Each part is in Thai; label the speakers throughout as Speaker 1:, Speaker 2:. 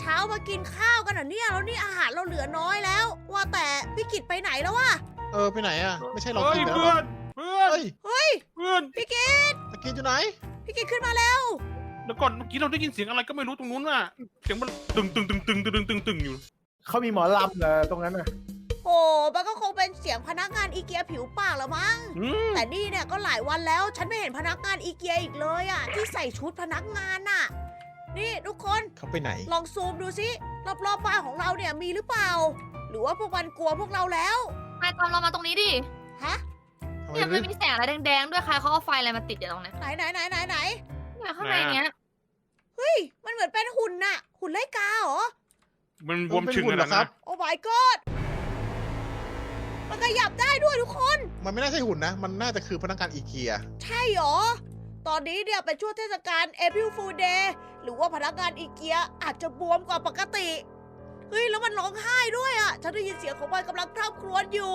Speaker 1: ช้ามากินข้าวกันเหรอเนี่ยแล้วนี่อาหารเราเหลือน้อยแล้ว ว่าแต่พี่กิตไปไหนแล้ววะ
Speaker 2: ไปไหนอ่ะไม่ใช่เรา
Speaker 3: เฮ้ย
Speaker 2: กินแล้ว
Speaker 3: เพื่อนเพื่อน
Speaker 2: เฮ้ย
Speaker 1: เฮ้ย
Speaker 3: เพื่อน
Speaker 1: พี่กิต
Speaker 2: ตะกินอยู่ไหน
Speaker 1: พี่กิตขึ้นมาแล้ว
Speaker 3: เดี๋ยวก่อนเมื่อกี้เราได้ยินเสียงอะไรก็ไม่รู้ตรงนู้นน่ะเสียงมันตึงตึงตึงตึงตึงตึงตึงอยู่
Speaker 4: เขามีหมอลำเหรอตรงนั้นน่ะ
Speaker 1: โอ้มันก็คงเป็นเสียงพนักงานอีเกียผิวปากละมั้ง แต่นี่เนี่ยก็หลายวันแล้ว ฉันไม่เห็นพนักงานอีเกียอีกเลยอ่ะที่ใส่ชุดพนักงานน่ะ นี่ทุกคน
Speaker 2: เขาไปไหน
Speaker 1: ลองซูมดูสิรอบๆบ้านของเราเนี่ยมีหรือเปล่า หรือว่าพวกมันกลัวพวกเราแล้ว
Speaker 5: นายตามเรามาตรงนี้ดิ
Speaker 1: ฮะ
Speaker 2: ทำไม
Speaker 5: เนี่ย
Speaker 2: ลึ
Speaker 5: มัน
Speaker 2: ก
Speaker 5: มีแสงอะไรแดงๆด้วยใครเขาเอาไฟอะไรมาติดอยู่ตรงเนี้ย
Speaker 1: ไหนไหนไหนไหนไหน
Speaker 5: เนี่ยข้างในเนี้ย
Speaker 1: เฮ้ยมันเหมือนเป็นหุ่นน่ะ หุ่นไล่กาเหรอ
Speaker 3: มันบวมชึงขนาดนั้นนะ
Speaker 1: โอ้ my god มันขยับได้ด้วยทุกคน
Speaker 2: มันไม่น่าใช่หุ่นนะ มันน่าจะคือพนักงานอีเกีย
Speaker 1: ใช่เหรอ ตอนนี้เนี่ยเป็นช่วงเทศกาล April Fool Day หรือว่าพนักงานอีเกียอาจจะบวมกว่าปกติ เฮ้ย แล้วมันร้องไห้ด้วยอ่ะ ฉันได้ยินเสียงของมันกำลังคร่ำครวญอยู่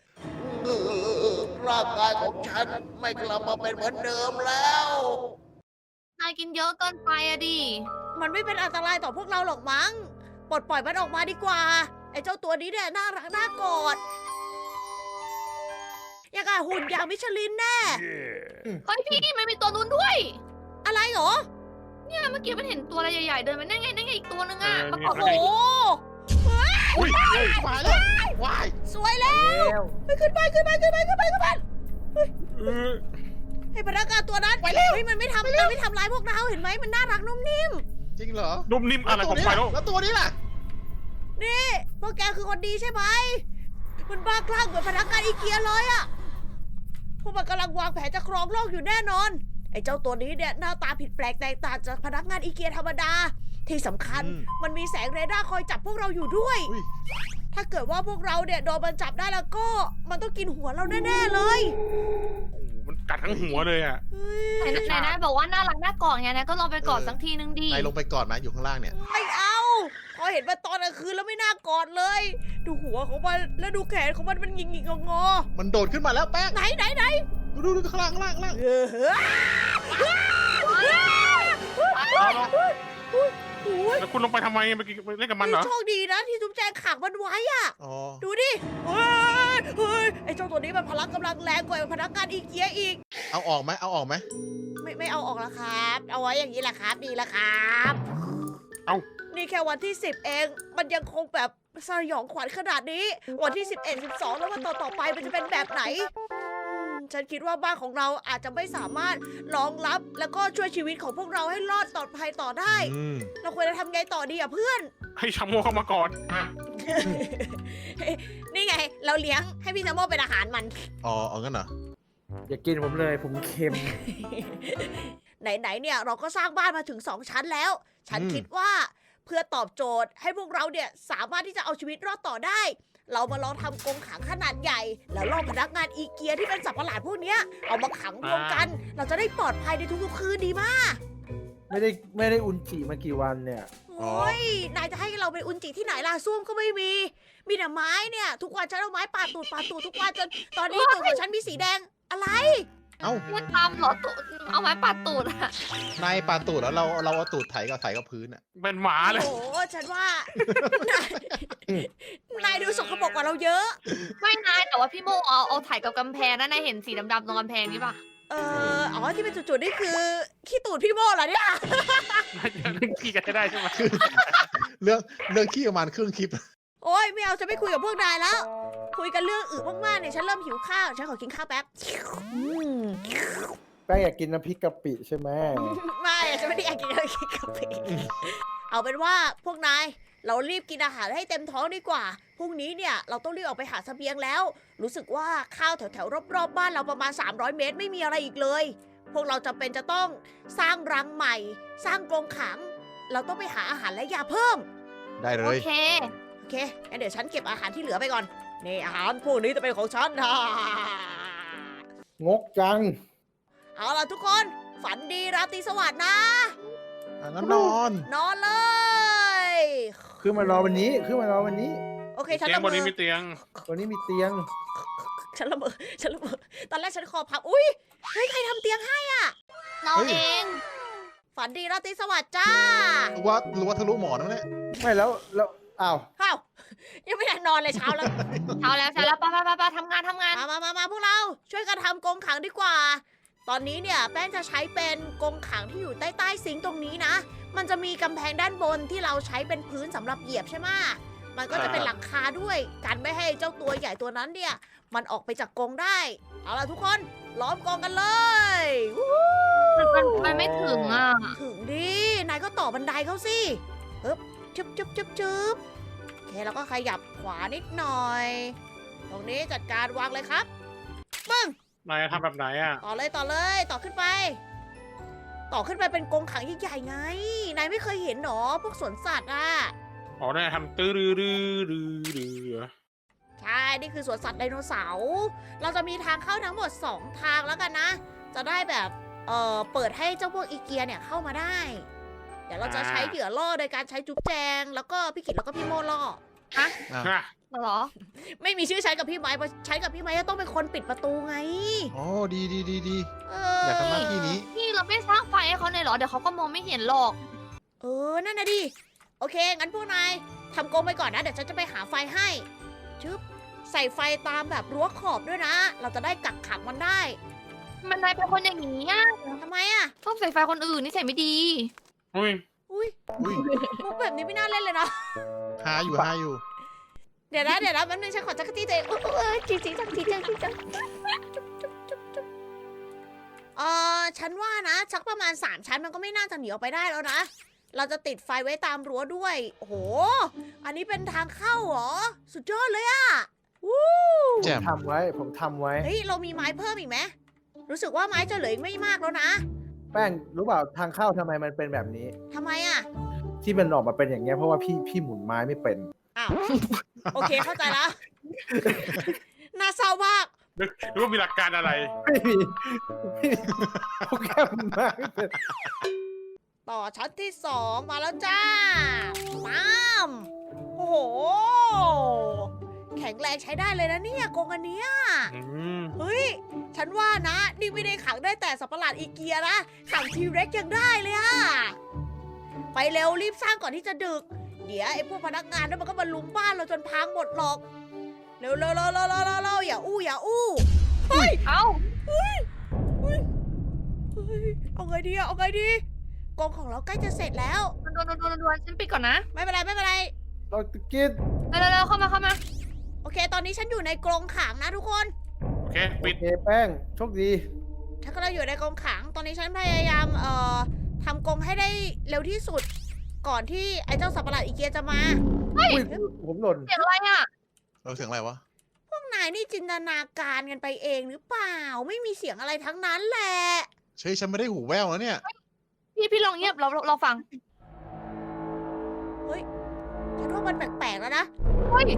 Speaker 1: ร่างกายของฉันไม่กลับมาเป็นเหมือนเดิมแล้ว
Speaker 5: นายกินเยอะเกินไปอะดิ
Speaker 1: มันไม่เป็นอันตรายต่อพวกเราหรอกมั้ง ปลดปล่อยมันออกมาดีกว่า ไอ้เจ้าตัวนี้เนี่ยน่ารักน่ากอดอย่างกับหุ่นอย่างมิชลินแน่
Speaker 5: เฮ้ยพี่มันมีตัวนู้นด้วย
Speaker 1: อะไรเหรอ
Speaker 5: เนี่ยเมื่อกี้มันเห็นตัวอะไรใหญ่ๆเดินมานั่นไงอีกตัวนึงอะมา
Speaker 1: โอ้
Speaker 5: เกาะ
Speaker 1: โห
Speaker 3: อุ้ย
Speaker 2: วายแล้ววาย
Speaker 1: สวยแล้ว
Speaker 4: แล้ว
Speaker 1: ไปขึ้นไปขึ้นไปขึ้นไปขึ้นไปขึ้นไป
Speaker 3: เออ
Speaker 1: ให้พนักงานตัวนั้นไปแล้วมันไม่ทำร้ายพวกเราเห็นไหมมันน่ารักนุ่มนิ่ม
Speaker 2: จริงเหรอ
Speaker 3: นุ่มนิ่มอะไรของไฟแล้ว
Speaker 2: แล้วตัวนี้ล่ะ
Speaker 1: นี่พวกแกคือคนดีใช่ไหมมันบ้าคลั่งเหมือนพนักงานอีเกียเลยอะพวกมันกำลังวางแผนจะครองโลกอยู่แน่นอน ไอ้เจ้าตัวนี้เนี่ยหน้าตาผิดแปลกแตกต่างจากพนักงานอีเกียธรรมดา ที่สำคัญ มันมีแสงเรดาร์คอยจับพวกเราอยู่ด้วย
Speaker 2: อุ้ย
Speaker 1: ถ้าเกิดว่าพวกเราเนี่ยโดนมันจับได้แล้วก็ มันต้องกินหัวเราแน่ๆเลย
Speaker 3: โอ้โหมันกัดทั้งหัวเลยอ่ะ
Speaker 1: เฮ้ย
Speaker 5: ไหนนายบอกว่าน่ารักน่ากอดไงนะก็ลองไปกอดสักทีนึงดิ
Speaker 2: นายลงไปก่อนไหมอยู่ข้างล่างเนี่ย
Speaker 1: ไม่เอาพอเห็นมันตอนกลางคืนแล้วไม่น่ากอดเลย ดูหัวของมันแล้วดูแขนของมันหงิกๆงอ
Speaker 2: มันโดดขึ้นมาแล้วแป้ง
Speaker 1: ๆไหน
Speaker 2: ดูข้างล่างข้างล่างข้างล่าง
Speaker 1: เออ
Speaker 3: เอาแล้ว
Speaker 1: โอ้ย
Speaker 3: แล้วคุณลงไปทำไมไปเล่นกับมันเหรอ
Speaker 1: โชคดีนะที่จุ๊บแจงขังมันไว้อะ
Speaker 2: อ๋อ
Speaker 1: ดูดิเฮ้ยไอ้เจ้าตัวนี้มันพลังกำลังแรงกว่าพนักงานอีเกียอีก
Speaker 2: เอาออกไหมเอาออกไหม
Speaker 1: ไม่เอาออกแล้วครับ เอาไว้อย่างนี้แหละครับดีแล้วครับ
Speaker 3: เอ้า
Speaker 1: นี่แค่วันที่ 10 เอง มันยังคงแบบสยองขวัญขนาดนี้ วันที่ 11 12 แล้ววันต่อไปมันจะเป็นแบบไหนฉันคิดว่าบ้านของเราอาจจะไม่สามารถรองรับแล้วก็ช่วยชีวิตของพวกเราให้รอดปลอดภัยต่อได้ เราควรจะทำไงต่อดีอ่ะเพื่อน
Speaker 3: ให้ชาโมเข้ามาก่อน
Speaker 1: นี่ไง เราเลี้ยงให้พี่แซมโมเป็นอาหารมัน
Speaker 2: อ๋อเอางั้นเหรอ
Speaker 4: อย่ากินผมเลยผมเค็ม
Speaker 1: ไหนๆเนี่ยเราก็สร้างบ้านมาถึง 2 ชั้นแล้ว ฉันคิดว่าเพื่อตอบโจทย์ให้พวกเราเนี่ยสามารถที่จะเอาชีวิตรอดต่อได้ เรามาลองทำกรงขังขนาดใหญ่ แล้วล่อพนักงานอีเกียที่เป็นสัตว์ประหลาดพวกเนี้ยเอามาขังรวมกัน เราจะได้ปลอดภัยในทุกๆคืนดีมาก
Speaker 4: ไม่ได้อุนจิมากี่วันเนี่ย
Speaker 1: โอ้ยนายจะให้เราไปอุนจิที่ไหนล่ะส้วมก็ไม่มี มีแต่ไม้เนี่ย ทุกวันฉันเอาไม้ปาดตูดทุกวันจนตอนนี้ตูดของฉันมีสีแดงอะไร
Speaker 2: เอ้า
Speaker 5: มันตามเหรอตูดเอาไม้ปัดตูดอะ
Speaker 2: นายปาตูดแล้วเราเอาตูดไถกับพื้นอ่ะ
Speaker 3: เป็นหมาเลย
Speaker 1: โอ้โหฉันว่านายดูสกปรกกว่าเราเยอะ
Speaker 5: ไม่นายแต่ว่าพี่โมเอาถ่ายกับกำแพงนะนายเห็นสีดำๆตรงกำแพงนี่ปะ
Speaker 1: อ๋อที่เป็นจุดๆนี่คือขี้ตูดพี่โมเหรอเนี่ย
Speaker 3: ขี้กันจะได้ใช่ไหม
Speaker 2: เรื่องขี้ประมาณครึ่งคลิป
Speaker 1: โอ้ยไม่เอาจะไม่คุยกับพวกนายแล้ว คุยกันเรื่องอื่นมากๆเนี่ยฉันเริ่มหิวข้าวฉันขอกินข้าวแป๊บ
Speaker 4: แป้งอยากกินน้ำพริกกะปิใช่ไหม
Speaker 1: ไม่ฉันไม่ได้อยากกินอะไรกินกาแฟเอาเป็นว่าพวกนายเรารีบกินอาหารให้เต็มท้องดีกว่าพรุ่งนี้เนี่ยเราต้องรีบออกไปหาเสบียงแล้ว รู้สึกว่าข้าวแถวๆรอบๆบ้านเราประมาณ300 เมตรไม่มีอะไรอีกเลย พวกเราจำเป็นจะต้องสร้างรังใหม่ สร้างกรงขัง เราต้องไปหาอาหารและยาเพิ่ม
Speaker 2: ได้เล
Speaker 5: โอย เค
Speaker 1: โอเคงั้นเดี๋ยวฉันเก็บอาหารที่เหลือไปก่อนนี่อาหารพวกนี้จะเป็นของฉันนะ
Speaker 4: งกจัง
Speaker 1: เอาล่ะทุกคนฝันดีราตรีสวัสดิ์นะ
Speaker 2: งั้นนอน
Speaker 1: นอนเลย
Speaker 4: ขึ้นมารอวันนี้
Speaker 1: โอเค ฉัน
Speaker 3: เตียง
Speaker 1: ละ
Speaker 3: บ
Speaker 1: เม
Speaker 3: นนี้
Speaker 1: อ
Speaker 3: มีเตียง
Speaker 4: วันนี้มีเตียง
Speaker 1: ฉันละเมอตอนแรกฉันคอพับอุ้ยเฮ้ยใครทำเตียงให้
Speaker 5: เราเอง
Speaker 1: ฝันดีราตรีสวัสดิ์จ้า
Speaker 2: รู้ว่าทะลุหมอนแล้วเนี่ย
Speaker 4: ไม่แล้วอ้าว
Speaker 1: ข้าวยังไม่ทันนอนเลยเช้าแล้ว
Speaker 5: เช้าแล้วไปทำงาน
Speaker 1: มาพวกเราช่วยกันทำกรงขังดีกว่า ตอนนี้เนี่ยแป้งจะใช้เป็นกรงขังที่อยู่ใต้ซิงค์ตรงนี้นะ มันจะมีกำแพงด้านบนที่เราใช้เป็นพื้นสำหรับเหยียบใช่ไหมมันก็จะเป็นหลังคาด้วยกันไม่ให้เจ้าตัวใหญ่ตัวนั้นเนี่ย มันออกไปจากกรงได้ เอาล่ะทุกคนล้อมกรงกันเลยวู้ฮู้
Speaker 5: มันไม่ถึงอ่ะ
Speaker 1: ถึงดิ นายก็ต่อบันไดเขาสิปึ๊บจึ๊บโอเคแล้วก็ขยับขวานิดหน่อย ตรงนี้จัดการวางเลยครับปึ้ง
Speaker 3: นายทำแบบไหนอ่ะ
Speaker 1: ต่อเลยต่อขึ้นไป ต่อขึ้นไปเป็นกรงขังใหญ่ๆไง นายไม่เคยเห็นหรอพวกสวนสัตว์อ่ะ
Speaker 3: อ๋อนายทำตื้อรือ
Speaker 1: ใช่ นี่คือสวนสัตว์ไดโนเสาร์ เราจะมีทางเข้าทั้งหมด 2 ทางแล้วกันนะ จะได้แบบเปิดให้เจ้าพวกอีเกียเนี่ยเข้ามาได้ เดี๋ยวเราจะใช้เหยื่อล่อโดยการใช้จุ๊บแจง แล้วก็พี่กิตแล้วก็พี่โมล่อ
Speaker 2: อ่ะ
Speaker 3: ฮะ
Speaker 5: เหรอ
Speaker 1: ไม่มีชื่อใช้กับพี่ไม้เพราะใช้กับพี่ไม้จะต้องเป็นคนปิดประตูไง
Speaker 2: อ๋อดี
Speaker 1: เอ
Speaker 2: อยากทำหน้าที่นี้
Speaker 5: นี่เราไม่สร้างไฟให้เขาเลยเหรอ เดี๋ยวเขาก็มองไม่เห็นหรอก
Speaker 1: นั่นนะดิ โอเค งั้นพวกนายทำกรงไปก่อนนะ เดี๋ยวฉันจะไปหาไฟให้ชึบใส่ไฟตามแบบรั้วขอบด้วยนะ เราจะได้กักขังมันได้
Speaker 5: มันนายเป็นคนอย่างนี้อ่ะ
Speaker 1: ทำไมอะ
Speaker 5: ชอบใส่ไฟคนอื่นนี่ใส่ไม่ดี
Speaker 3: อุ้ย
Speaker 1: อุ้ย
Speaker 2: อุ้ย
Speaker 1: มุกแบบนี้ไม่น่าเล่นเลยนะ
Speaker 2: หาอยู่
Speaker 1: เดี๋ยวนะแป๊บนึงฉันขอจักรจี้ตัวเองจริงฉันว่านะชักประมาณ3 ชั้นมันก็ไม่น่าจะหนีออกไปได้แล้วนะ เราจะติดไฟไว้ตามรั้วด้วย โอ้โห อันนี้เป็นทางเข้าเหรอ สุดยอดเลยอะวู้
Speaker 2: แจ่ม
Speaker 4: ผมทำไว้
Speaker 1: เฮ้ย เรามีไม้เพิ่มอีกไหม รู้สึกว่าไม้จะเหลืออีกไม่มากแล้วนะ
Speaker 4: แป้งรู้เปล่าทางเข้าทำไมมันเป็นแบบนี้
Speaker 1: ทำไมอะ
Speaker 4: ที่มันออกมาเป็นอย่างเงี้ยเพราะว่าพี่หมุนไม้ไม่เป็น
Speaker 1: อ้าว โอเคเข้าใจแล้ว น่าเศร้ามาก
Speaker 3: หรือว่ามีหลักการอะไร
Speaker 4: ไม่มีโปรแกรมหมุนไม้ไม่เป็น
Speaker 1: ต่อชั้นที่ 2 มาแล้วจ้าปั๊มโอ้โห แข็งแรงใช้ได้เลยนะเนี่ยกรงอันเนี้ย
Speaker 3: อืม
Speaker 1: เฮ้ย ฉันว่านะ นี่ไม่ได้ขังได้แต่สัตว์ประหลาดอีเกียนะ ขังทีเร็กยังได้เลยอะไปเร็วรีบสร้างก่อนที่จะดึก เดี๋ยวไอ้พวกพนักงานนั่นมันก็มาลุมบ้านเราจนพังหมดหรอก เร็วอย่าอู้เฮ้ย
Speaker 5: เอ้า
Speaker 1: เอาไงดีกรงของเราใกล้จะเสร็จแล้ว
Speaker 5: ดวนฉันปิดก่อนนะ
Speaker 1: ไม่เป็นไร
Speaker 4: เราตะกิด
Speaker 5: เร็วเข้ามา
Speaker 1: โอเค ตอนนี้ฉันอยู่ในกรงขังนะทุกคน
Speaker 3: โอเค ปิด
Speaker 4: โอเคแป้งโชคดี
Speaker 1: ฉันก็เลยอยู่ในกรงขัง ตอนนี้ฉันพยายามทำกรงให้ได้เร็วที่สุด ก่อนที่ไอ้เจ้าสัตว์ประหลาดอีเกียจะมา
Speaker 4: อุ้ยผมหล่น
Speaker 5: เสียงอะไรอ่ะ
Speaker 2: เสียงอะไรวะ
Speaker 1: พวกนายนี่จินตนาการกันไปเองหรือเปล่า ไม่มีเสียงอะไรทั้งนั้นแหละ
Speaker 2: เฮ้ยฉันไม่ได้หูแว่วแล้วเนี่ย
Speaker 5: พี่ลองเงียบเราฟัง
Speaker 1: ฉันว่ามันแปลกๆแล้วนะ
Speaker 5: เฮ้ย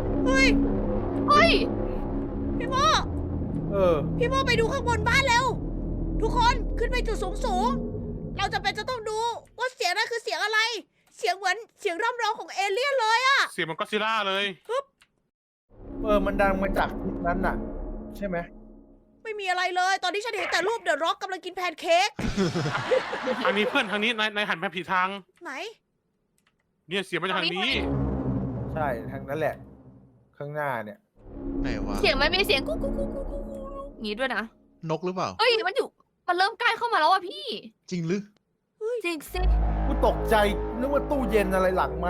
Speaker 1: พี่โม
Speaker 4: เออ
Speaker 1: พี่โมไปดูข้างบนบ้านเร็ว ทุกคนขึ้นไปจุดสูงๆ เราจะต้องดูว่าเสียงนั้นคือเสียงอะไร เสียงเหมือนเสียงร่ำร้องของเอเลี่ยนเลยอะ
Speaker 3: เสียงมันก็อดซิลล่าเลย
Speaker 4: มันดังมาจากทิศนั้นน่ะ ใช่ไหม
Speaker 1: ไม่มีอะไรเลย ตอนนี้ฉันเห็นแต่รูปเดอะร็อกกำลังกินแพนเค้ก
Speaker 3: ทางนี้เพื่อนทางนี้นายหันไปผิดทาง
Speaker 1: ไหน
Speaker 3: เนี่ยเสียงมาจากทางนี้
Speaker 4: ใช่ทางนั้นแหละ ข้างหน้าเนี่ย
Speaker 2: ไหนวะ
Speaker 5: เสียงมันมีเสียงกุ๊กงี้ด้วยนะ
Speaker 2: นกหรือเปล่า
Speaker 5: เฮ้ยมันเริ่มใกล้เข้ามาแล้วอ่ะพี่
Speaker 2: จริงหรือ
Speaker 5: จริงสิ
Speaker 4: กูตกใจนึกว่าตู้เย็นอะไรหลังไหม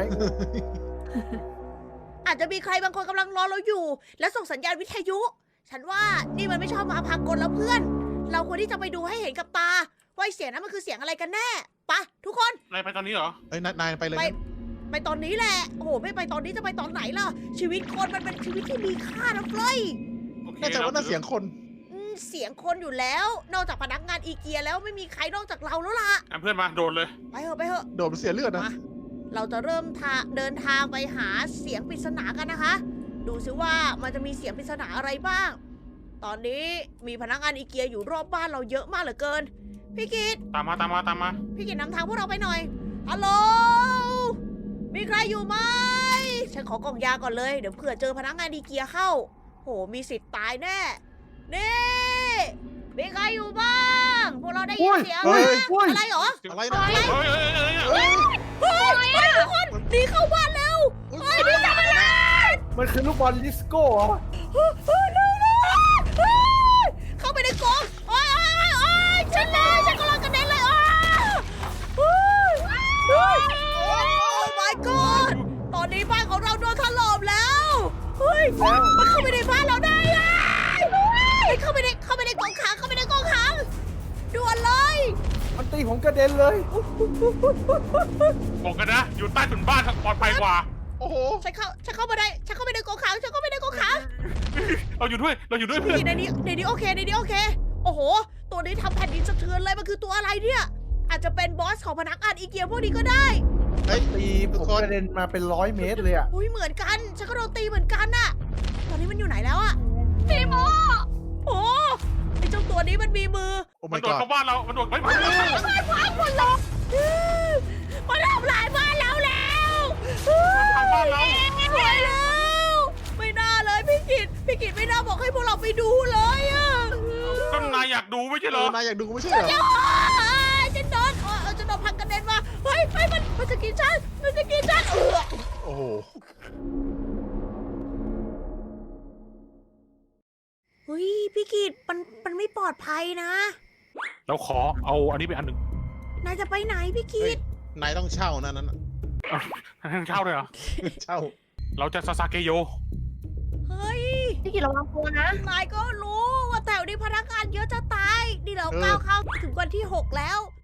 Speaker 1: อาจจะมีใครบางคนกำลังรอเราอยู่ และส่งสัญญาณวิทยุ ฉันว่านี่มันไม่ชอบมาพากลแล้วเพื่อน เราควรที่จะไปดูให้เห็นกับตา ว่าไอ้เสียงนั้นมันคือเสียงอะไรกันแน่ไปะทุกคน
Speaker 3: นายไปตอนนี้เหรอ
Speaker 2: เอ้ยนายไปเลย
Speaker 1: ไป
Speaker 2: งั้น
Speaker 1: ไปตอนนี้แหละ โอ้โห ไม่ไปตอนนี้จะไปตอนไหนล่ะ ชีวิตคนมันเป็นชีวิตที่มีค่านะเฟ้ย
Speaker 3: โอเค
Speaker 2: น่าจะว่าน่าเสียงคน
Speaker 1: เสียงคนอยู่แล้ว นอกจากพนักงานอีเกียแล้วไม่มีใครนอกจากเราแล้วล่ะ
Speaker 3: อ่ะเพื่อนมาโดนเลย
Speaker 1: ไปเถอะ
Speaker 2: โดดมันเสียเลือดนะ
Speaker 1: มา เราจะเริ่มเดินทางไปหาเสียงปริศนากันนะคะ ดูซิว่ามันจะมีเสียงปริศนาอะไรบ้าง ตอนนี้มีพนักงานอีเกียอยู่รอบบ้านเราเยอะมากเหลือเกิน พี่กิต
Speaker 3: ตามมา
Speaker 1: พี่กิตนำทางพวกเราไปหน่อย ฮัลโหล มีใครอยู่ไหม ฉันขอกล่องยาก่อนเลย เดี๋ยวเผื่อเจอพนักงานอีเกียเข้า โห มีสิทธิ์ตายแน่ นี่ มีใครอยู่บ้าง พวกเราได้ยินเสียง
Speaker 2: เฮ้ย
Speaker 1: อะไรเหรอ
Speaker 2: อะไรนะ
Speaker 3: เฮ้ย
Speaker 1: เฮ้ยทุกคนหนีเข้าบ้านแล้ว
Speaker 4: มันคือลูกบอลดิสโก้เหรอ
Speaker 1: เข้าไปในกรงโอ้ยฉันกำลังกระเด็นเลยโอ้ย my god ตอนนี้บ้านของเราโดนถล่มแล้วเฮ้ยมันเข้าไปในบ้านเราได้อะเข้าไปในกรงขังด่วนเลย
Speaker 4: มันตีผมกระเด็นเลย
Speaker 3: บอกกันนะ อยู่ใต้ถุนบ้านปลอดภัยกว่า
Speaker 2: โอ้โห
Speaker 1: ฉันเข้าไปในกรงขัง
Speaker 3: เราอยู่ด้วยเพื่อน
Speaker 1: ในนี้โอเค โอ้โห ตัวนี้ทำแผ่นดินสะเทือนเลย มันคือตัวอะไรเนี่ย อาจจะเป็นบอสของพนักงานอีเกียพวกนี้ก็ได้
Speaker 2: เฮ้ย
Speaker 4: ตีผมกระเด็นมาเป็น100 เมตรเลยอะ
Speaker 1: อุ้ยเหมือนกัน ฉันก็โดนตีเหมือนกันน่ะ ตอนนี้มันอยู่ไหนแล้วอะ
Speaker 5: พี่โม
Speaker 1: โอ้ไอเจ้าตัวนี้มันมีมือ
Speaker 2: โอ้
Speaker 3: มั
Speaker 2: my
Speaker 3: นโดด
Speaker 2: god
Speaker 3: เข้าบ้านเรา มันโดดไปมา
Speaker 1: มันทำลายบ้านเราแล้ว
Speaker 3: ทางบ้านเรา
Speaker 1: สวยแล้ว ไม่น่าเลยพี่กิตไม่น่าบอกให้พวกเราไปดูเลยอะ
Speaker 3: ก็นายอยากดูไม่ใช่เหรอ
Speaker 2: นายอยากดูไม่ใช่เหรอ
Speaker 1: ฉันโดนพังกระเด็นมา เฮ้ยมันจะกินฉัน
Speaker 2: โอ้โห
Speaker 1: เฮ้ยพี่กิตมันไม่ปลอดภัยนะ
Speaker 3: เราขอเอาอันนี้ไปอันหนึ่ง
Speaker 1: นายจะไปไหนพี่กิ
Speaker 2: เฮ้ย
Speaker 1: ต
Speaker 2: นายต้องเช่านะนั้นน่ะ
Speaker 3: ให้เช่าเลยเหรอ
Speaker 2: เช่า
Speaker 3: เราจะซาซาเกโย
Speaker 1: เฮ้ย
Speaker 5: พี่กิตระวังตัวนะ
Speaker 1: นายก็รู้ว่าแถวนี้พนักงานเยอะจะตาย นี่เราก้าวเข้าถึงวันที่ 6 แล้ว